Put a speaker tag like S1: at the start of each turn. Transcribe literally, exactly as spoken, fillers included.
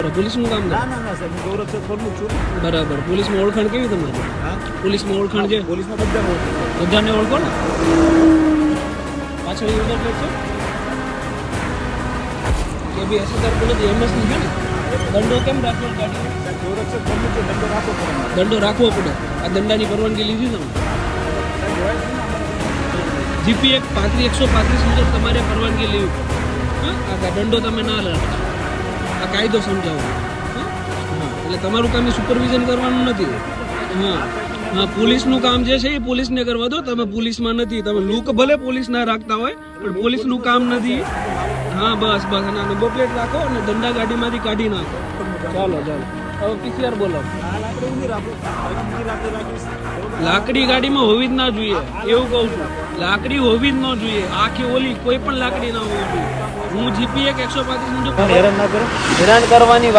S1: પોલીસનું કામ
S2: ના ના ના સાહેબ, હું ગૌરક્ષક ફોર્મનું છું.
S1: બરાબર. પોલીસમાં ઓળખાણ કેવી તમારી?
S2: હા,
S1: પોલીસમાં ઓળખાણ છે?
S2: પોલીસમાં બધા ઓળખું છું.
S1: બધાને ઓળખો ને? પાછળ નંબર પ્લેટ છે કે બી એસએસઆર પોલીસ એમએસ ની છે ને? દંડો કેમ રાખ્યો ગાડી?
S2: સાહેબ, ગૌરક્ષક ફોર્મનું છે, દંડો રાખવો પડે મારે.
S1: દંડો રાખવો પડે. આ દંડાની પરવાનગી લીધી તમે?
S2: સાહેબ, હોય છે ને અમારે.
S1: જીપી એક પાંત્રીસ એકસો પાંત્રીસ મુજબ તમારે પરવાનગી લેવી પડે. હા, આ દંડો તમે ના રાખતા. આ કાયદો સમજાવો. હા, હા. એટલે તમારું કામ એ સુપરવિઝન કરવાનું નથી. હા હા, પોલીસનું કામ જે છે એ પોલીસને કરવા દો. તમે પોલીસમાં નથી. તમે લુક ભલે પોલીસ ના રાખતા હોય પણ પોલીસનું કામ નથી. હા, બસ બસ. અને નંબર પ્લેટ રાખો અને દંડા ગાડીમાંથી કાઢી નાખો. ચાલો ચાલો, હવે પીસીઆર બોલાવો.
S2: આ લાકડી ઊંધી રાખો. હવે બીજી લાકડી રાખીશ. બરોબર?
S1: લાકડી ગાડીમાં હોવી જ ના જોઈએ એવું કહું છું. લાકડી હોવી જ ન જોઈએ. આખી ઓલી કોઈ પણ લાકડી ના હોવી જોઈએ. હું જીપી એક એકસો પાંત્રીસ મુજબ
S2: હેરાન ના કરો.
S1: હેરાન કરવાની